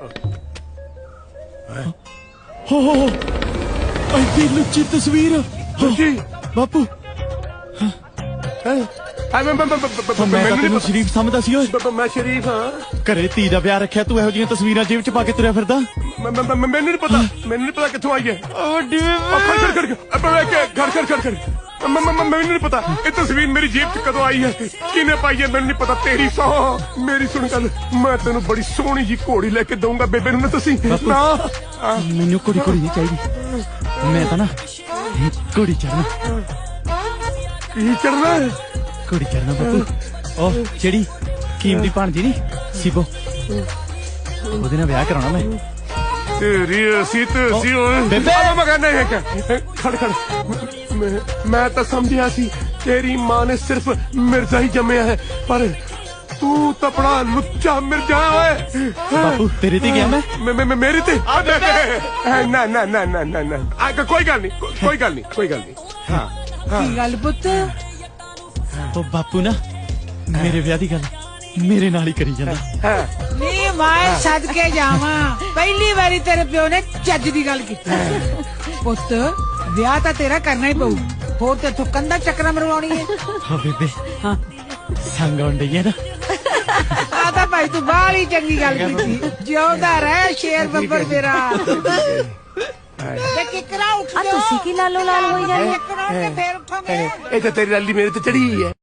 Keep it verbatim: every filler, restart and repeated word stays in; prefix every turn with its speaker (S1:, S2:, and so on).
S1: ਹੋ ਹੋ ਐਡੀ ਲੁੱਚੀ ਤਸਵੀਰ
S2: ਜੀ
S1: ਬਾਪੂ
S2: ਮੈਂ ਮੈਂ
S1: ਮੈਂ ਤਾਂ ਤੈਨੂੰ ਸ਼ਰੀਫ ਸਮਝਦਾ ਸੀ ਓਏ
S2: ਮੈਂ ਸ਼ਰੀਫ ਹਾਂ
S1: ਘਰੇ ਧੀ ਦਾ ਵਿਆਹ ਰੱਖਿਆ ਤੂੰ ਇਹੋ ਜਿਹੀਆਂ ਤਸਵੀਰਾਂ ਜੇਬ ਚ ਪਾ ਕੇ ਤੁਰਿਆ ਫਿਰਦਾ
S2: ਮੈਨੂੰ ਨਹੀਂ ਪਤਾ ਮੈਨੂੰ ਨਹੀਂ ਪਤਾ ਕਿੱਥੋਂ ਆਈ ਹੈ
S1: ਵੱਡੀ
S2: ਖੜ ਖੜ ਖੜ ਖੜ ਖੜ ਖੜ ਮੈਨੂੰ ਨਹੀਂ ਪਤਾ ਇਹ ਤਸਵੀਰ ਮੇਰੀ ਜੇਬ ਚ ਕਦੋਂ ਆਈ ਹੈ ਕਿਹਨੇ ਪਾਈ ਹੈ ਮੈਨੂੰ ਨਹੀਂ ਪਤਾ ਤੇਰੀ ਸੌ ਮੇਰੀ ਸੁਣ ਗੱਲ ਮੈਂ ਤੈਨੂੰ ਬੜੀ ਸੋਹਣੀ ਜੀ ਘੋੜੀ ਲੈ ਕੇ ਦਊਂਗਾ ਬੇਬੇ ਨੂੰ ਨਾ ਤੁਸੀਂ ਨਾ
S1: ਮੈਨੂੰ ਕੁੜੀ ਕੁੜੀ ਨਹੀਂ ਚਾਹੀਦੀ ਮੈਂ ਤਾਂ ਨਾ ਕੁੜੀ ਚੜਨਾ
S2: ਕੀ ਚੜਨਾ
S1: ਕੁੜੀ ਚੜਨਾ ਬਾਪੂ ਉਹ ਜਿਹੜੀ ਕੀਮਤੀ ਭਾਣਜੀ ਨੀ ਸਿਬੋ ਉਹਦੇ ਨਾਲ ਵਿਆਹ ਕਰਾਉਣਾ ਮੈਂ
S2: तेरी ऐसी तो ऐसी खड़ खड़ मैं तो समझिया सी तेरी माँ ने सिर्फ मिर्जा ही जमया है पर तू तो बड़ा लुच्चा मिर्जा है
S1: बापू तेरे ते गया मैं
S2: मैं मैं मेरी ते ना ना ना ना ना ना कोई गल नहीं कोई गल नहीं कोई गल नहीं हाँ
S3: की गल पुत
S1: ओ बापू ना मेरे ब्याह दी गल मेरे नाल ही करी जांदा
S3: नी मैं सदके जावां पहली बारी तेरे प्यो ने चज दी गल की पुत विआह तां तेरा करना ही पऊ होर ते तू कंधा चक्कर मरवाउणी है
S1: हां बेबे हां संग आउण डई है ना
S3: आ तां भाई तू बाहली चंगी गल कीती जिउंदा रह शेर बब्बर मेरा ते किकरा उठ
S4: आ तुसी की लालो लाल होई जानी
S3: किकरा के फेर उठांगे
S2: ए ते तेरी लाली मेरे ते चढ़ी है